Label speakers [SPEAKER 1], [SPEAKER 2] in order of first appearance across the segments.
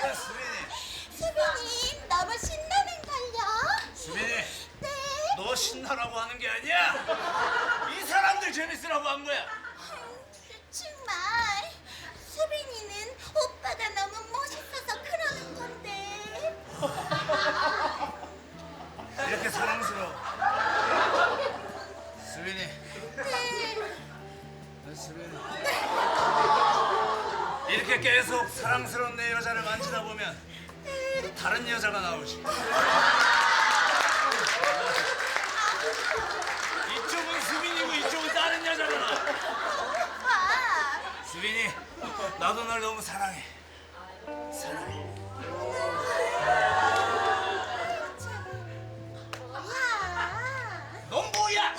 [SPEAKER 1] 수빈님 너무 신나는걸요?
[SPEAKER 2] 수빈이,
[SPEAKER 1] 네.
[SPEAKER 2] 너 신나라고 하는 게 아니야. 이 사람들 재밌으라고 한 거야.
[SPEAKER 1] 정말 수빈이는 오빠가 너무 멋있어서 그러는 건데.
[SPEAKER 2] 이렇게 사랑스러워. 수빈이,
[SPEAKER 1] 네.
[SPEAKER 2] 수빈이. 이렇게 계속 사랑스러운 내 여자를 만지다 보면 다른 여자가 나오지. 이쪽은 수빈이고 이쪽은 다른 여자가 나와.
[SPEAKER 1] 오빠.
[SPEAKER 2] 수빈이, 나도 널 너무 사랑해. 사랑해.
[SPEAKER 1] 뭐야?
[SPEAKER 2] 넌 뭐야?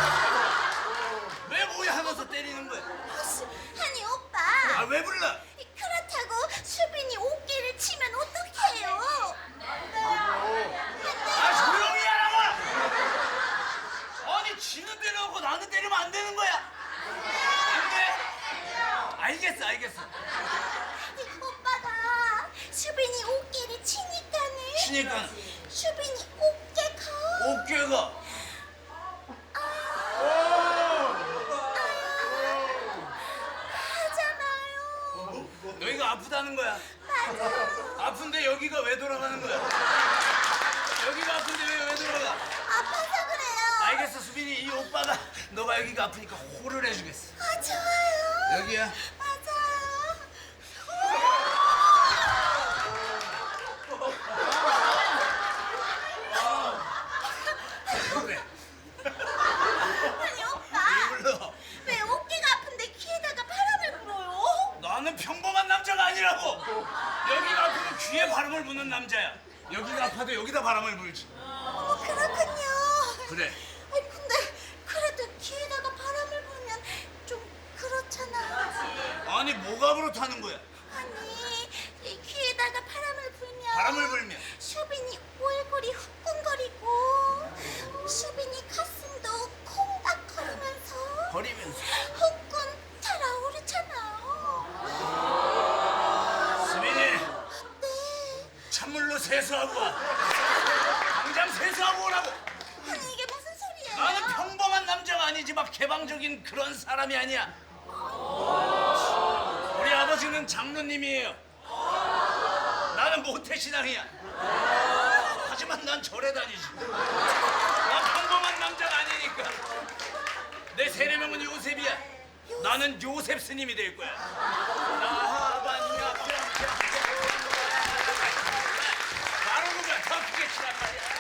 [SPEAKER 2] 왜 뭐야 하면서 때리는 거야?
[SPEAKER 1] 아니 오빠.
[SPEAKER 2] 아, 왜 불러?
[SPEAKER 1] 그렇다고 수빈이 어깨를 치면 어떡해요?
[SPEAKER 2] 아, 조용히 하라고! 아니, 지는 때려놓고 나는 때리면 안 되는 거야. 안 돼? 알겠어, 알겠어.
[SPEAKER 1] 오빠가 수빈이 어깨를 치니까는
[SPEAKER 2] 치니까
[SPEAKER 1] 수빈이 어깨가
[SPEAKER 2] 어깨가
[SPEAKER 1] 하잖아요.
[SPEAKER 2] 여기가 아프다는 거야. 아픈데 여기가 왜 돌아가는 거야? 여기가 아픈데 왜 돌아가?
[SPEAKER 1] 아파서 그래요.
[SPEAKER 2] 알겠어, 수빈이. 이 오빠가 너가 여기가 아프니까 호를 해주겠어.
[SPEAKER 1] 아 좋아요.
[SPEAKER 2] 여기야.
[SPEAKER 1] 맞아요.
[SPEAKER 2] 그래.
[SPEAKER 1] 아니 오빠
[SPEAKER 2] 왜 불러?
[SPEAKER 1] 왜 어깨가 아픈데 귀에다가 바람을 불어요?
[SPEAKER 2] 나는 평범한 남자가 아니라고. 여기가 아프면 귀에 바람을 부는 남자야. 여기가 아파도 여기다 바람을 불지.
[SPEAKER 1] 어머 그렇군요.
[SPEAKER 2] 그래.
[SPEAKER 1] 아니 근데 그래도 귀에다가 바람을 불면 좀 그렇잖아.
[SPEAKER 2] 아니, 뭐가 그렇다는 거야?
[SPEAKER 1] 아니 이 귀에다가 바람을 불면
[SPEAKER 2] 바람을 불면
[SPEAKER 1] 수빈이 얼굴이 후끈거리고 수빈이 가슴도 콩닥거리면서
[SPEAKER 2] 거리면서.
[SPEAKER 1] 후끈 달아오르잖아.
[SPEAKER 2] 수빈이,
[SPEAKER 1] 네.
[SPEAKER 2] 찬물로 세수하고 와. 당장 세수하고 오라고.
[SPEAKER 1] 아니 이게 무슨 소리예요?
[SPEAKER 2] 나는 평범한 남자가 아니지 막 개방적인 그런 사람이 아니야. 우리 아버지는 장로님이에요. 나는 모태신앙이야. 하지만 난 절에 다니지. 난 평범한 남자가 아니니까. 내 세례명은 요셉이야. 나는 요셉 스님이 될 거야. 나하반야 바로 그거야. 더 크게 치란 말이야.